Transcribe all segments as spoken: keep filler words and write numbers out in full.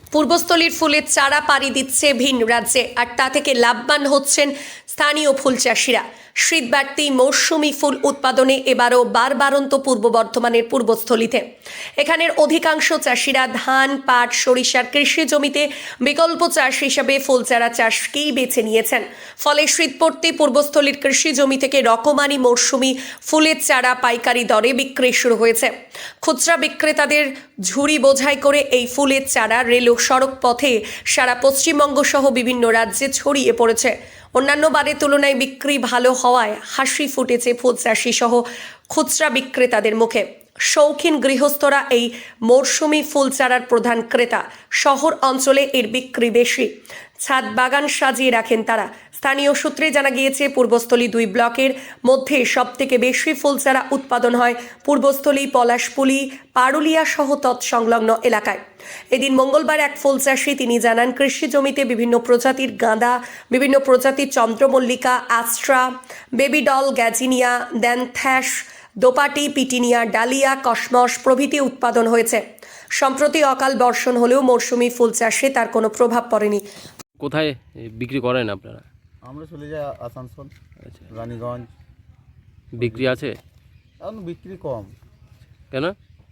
পূর্বস্থলীর ফুলের চারা পাড়ি দিচ্ছে ভিন রাজ্যে, আর তা থেকে লাভবান হচ্ছেন স্থানীয় ফুল চাষিরা। শীতবাড়তি মৌসুমি ফুল উৎপাদনে এবারও বারবারন্ত পূর্ব বর্ধমানের পূর্বস্থলীতে। এখানের অধিকাংশ চাষিরা ধান, পাট, সরিষার কৃষি জমিতে বিকল্প চাষ হিসাবে ফুল চারা চাষকেই বেছে নিয়েছেন। ফলে শীত পড়তে পূর্বস্থলীর কৃষি জমি থেকে রকমারি মৌসুমি ফুলের চারা পাইকারি দরে বিক্রি শুরু হয়েছে। খুচরা বিক্রেতাদের ঝুড়ি বোঝাই করে এই ফুলের চারা রেল ও সড়ক পথে সারা পশ্চিমবঙ্গ সহ বিভিন্ন রাজ্যে ছড়িয়ে পড়েছে। অন্যান্য বারের তুলনায় বিক্রি ভালো হওয়ায় হাসি ফুটেছে ফুল চাষি সহ খুচরা বিক্রেতাদের মুখে। শৌখিন গৃহস্থরা এই মরশুমি ফুল চারার প্রধান ক্রেতা। শহর অঞ্চলে এর বিক্রি বেশি। ছাদ বাগান সাজিয়ে রাখেন তারা। স্থানীয় সূত্রে জানা গিয়েছে, পূর্বস্থলী দুই ব্লকের মধ্যে সবথেকে বেশি ফুল চারা উৎপাদন হয় পূর্বস্থলী, পলাশপুলি, পারুলিয়া সহ তৎসংলগ্ন এলাকায়। এদিন মঙ্গলবার এক ফুল চাষি তিনি জানান, কৃষি জমিতে বিভিন্ন প্রজাতির গাঁদা, বিভিন্ন প্রজাতির চন্দ্রমল্লিকা, aster, baby doll, gazania, dianthus, দোপাটি, পিটিনিয়া, ডালিয়া, কসমস প্রভৃতি উৎপাদন হয়েছে। সম্প্রতি অকাল বর্ষণ হলেও মৌসুমি ফুল চাষে তার কোনো প্রভাব পড়েনি। কোথায় বিক্রি করেন আপনারা? আমরা চলে যাই আসানসোল, আচ্ছা, রানীগঞ্জ। বিক্রি আছে? এখন বিক্রি কম। কেন?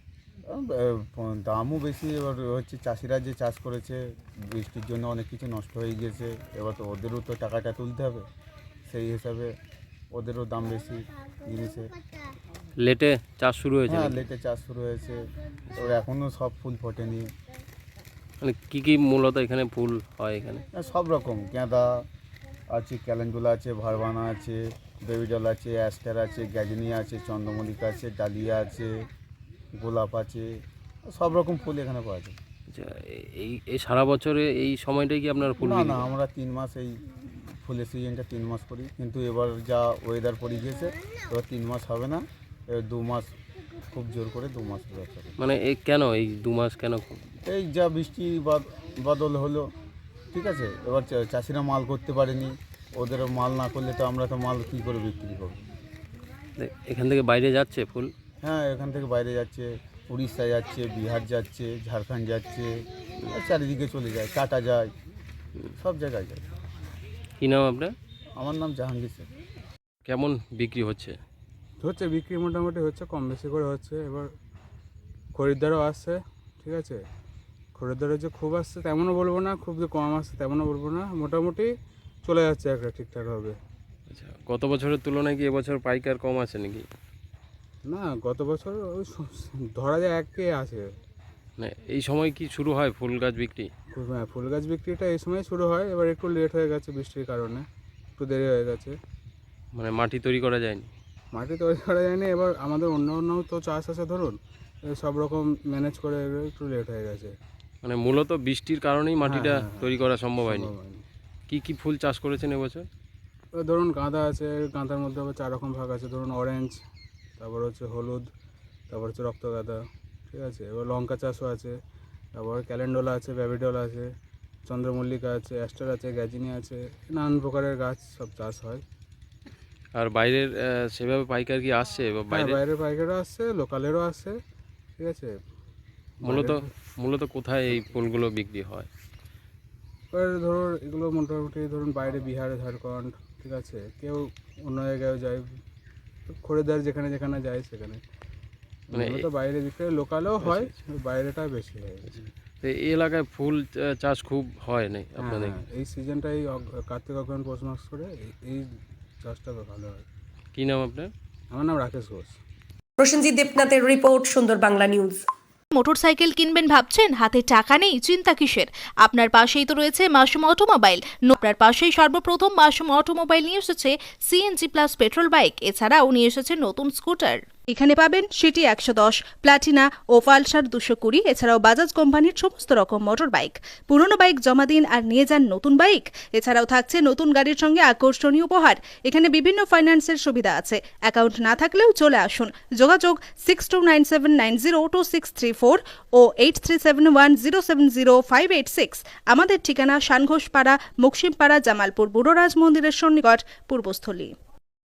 দামও বেশি। এবার হচ্ছে চাষিরা যে চাষ করেছে বৃষ্টির জন্য অনেক কিছু নষ্ট হয়ে গিয়েছে। এবার তো ওদেরও তো টাকাটা তুলতে হবে, সেই হিসাবে ওদেরও দাম বেশি জিনিসে। লেটে চাষ শুরু হয়েছে? হ্যাঁ, লেটে চাষ শুরু হয়েছে। এবার এখনও সব ফুল ফোটেনি। মানে কী কী মূলত এখানে ফুল হয়? এখানে সব রকম গাঁদা আছে, ক্যালেন্ডুলা আছে, ভারবানা আছে, বেবিডল আছে, অ্যাস্টার আছে, গ্যাজিনিয়া আছে, চন্দ্রমল্লিকা আছে, ডালিয়া আছে, গোলাপ আছে, সব রকম ফুল এখানে পাওয়া যায়। আচ্ছা, এই এই সারা বছরে এই সময়টাই কি আপনার ফুল? না না, আমরা তিন মাস এই ফুলের সিজনটা তিন মাস করি, কিন্তু এবার যা ওয়েদার পড়ে গিয়েছে এবার তিন মাস হবে না, এবার দু মাস খুব জোর করে দু মাস ব্যবসা করি। মানে এই কেন এই দু মাস কেন? এই যা বৃষ্টি বদল হলো, ঠিক আছে, এবার চাষিরা মাল করতে পারেনি। ওদের মাল না করলে তো আমরা তো মাল কী করে বিক্রি করব? এখান থেকে বাইরে যাচ্ছে ফুল? হ্যাঁ, এখান থেকে বাইরে যাচ্ছে, উড়িষ্যা যাচ্ছে, বিহার যাচ্ছে, ঝাড়খণ্ড যাচ্ছে, চারিদিকে চলে যায়, টাটা যায়, সব জায়গায় যায়। কী নাম আপনার? আমার নাম জাহাঙ্গীর শেখ। কেমন বিক্রি হচ্ছে? হচ্ছে বিক্রি মোটামুটি হচ্ছে, কম বেশি করে হচ্ছে। এবার খরিদ্দারও আসছে, ঠিক আছে। খরিদ্দারও যে খুব আসছে তেমনও বলবো না, খুব যে কম আসছে তেমনও বলবো না, মোটামুটি চলে যাচ্ছে একটা ঠিকঠাকভাবে। আচ্ছা, গত বছরের তুলনায় কি এবছর পাইকার কম আছে নাকি? না, গত বছর ওই ধরা যায় এককে আছে। মানে এই সময় কি শুরু হয় ফুল গাছ বিক্রি? হ্যাঁ, ফুল গাছ বিক্রিটা এই সময় শুরু হয়। এবার একটু লেট হয়ে গেছে বৃষ্টির কারণে, একটু দেরি হয়ে গেছে। মানে মাটি তৈরি করা যায়নি? মাটি তৈরি করা যায়নি। এবার আমাদের অন্য অন্য তো চাষ আছে, ধরুন সব রকম ম্যানেজ করে একটু লেট হয়ে গেছে। মানে মূলত বৃষ্টির কারণেই মাটিটা হ্যাঁ, হ্যাঁ, তৈরি করা সম্ভব হয়নি। সম্ভব হয়নি। কি কি ফুল চাষ করেছেন এবছর? ধরুন গাঁদা আছে, গাঁদার মধ্যে আবার চার রকম ভাগ আছে। ধরুন অরেঞ্জ, তারপর হচ্ছে হলুদ, তারপর হচ্ছে রক্তগাঁদা, ঠিক আছে। এবার লঙ্কা চাষও আছে, তারপর ক্যালেন্ডোলা আছে, বেবিডল আছে, চন্দ্রমল্লিকা আছে, অ্যাস্টার আছে, গ্যাজিনিয়া আছে, নানান প্রকারের গাছ সব চাষ হয়। আর বাইরের সেভাবে পাইকার কি আসছে? বাইরে বাইরের পাইকারও আসছে, লোকালেরও আসছে, ঠিক আছে। মূলত মূলত কোথায় এই ফুলগুলো বিক্রি হয়? এবার ধরুন এগুলো মোটামুটি ধরুন বাইরে বিহার, ঝাড়খণ্ড, ঠিক আছে, কেউ অন্য জায়গায়ও যায়, খরিদ্দার যেখানে যেখানে যায় সেখানে। মানে তো বাইরে বিক্রি লোকালেও হয়, বাইরেটা বেশি হয়। এই এলাকায় ফুল চাষ খুব হয় না আপনাদের? এই সিজনটা এই কার্তিক অগ্রহায়ণ পৌষ মাস করে এই চাষটা ভালো হয়। কী নাম আপনার? আমার নাম রাকেশ ঘোষ। প্রসেনজিৎ দেবনাথের report, Sundar Bangla news. Motorcycle কিনবেন ভাবছেন, হাতে টাকা নেই? চিন্তা কিসের? আপনার পাশেই তো রয়েছে মাসুম অটোমোবাইল। আপনার পাশেই সর্বপ্রথম মাসুম অটোমোবাইল নিয়ে এসেছে সিএনজি প্লাস পেট্রোল বাইক, এছাড়াও নিয়ে এসেছে নতুন স্কুটার। এখানে পাবেন সিটি একশো দশ, প্লাটিনা ও পালসার দুশো কুড়ি, এছাড়াও বাজাজ কোম্পানির সমস্ত রকম মোটর বাইক। পুরনো বাইক জমা দিন আর নিয়ে যান নতুন বাইক। এছাড়াও থাকছে নতুন গাড়ির সঙ্গে আকর্ষণীয় উপহার। এখানে বিভিন্ন ফাইন্যান্সের সুবিধা আছে। অ্যাকাউন্ট না থাকলেও চলে আসুন। যোগাযোগ six two nine seven nine zero two six three four ও eight three seven one zero seven zero five eight six. আমাদের ঠিকানা সানঘোষপাড়া, মুকসিমপাড়া, জামালপুর বুড়োরাজ মন্দিরের সন্নিকট, পূর্বস্থলী।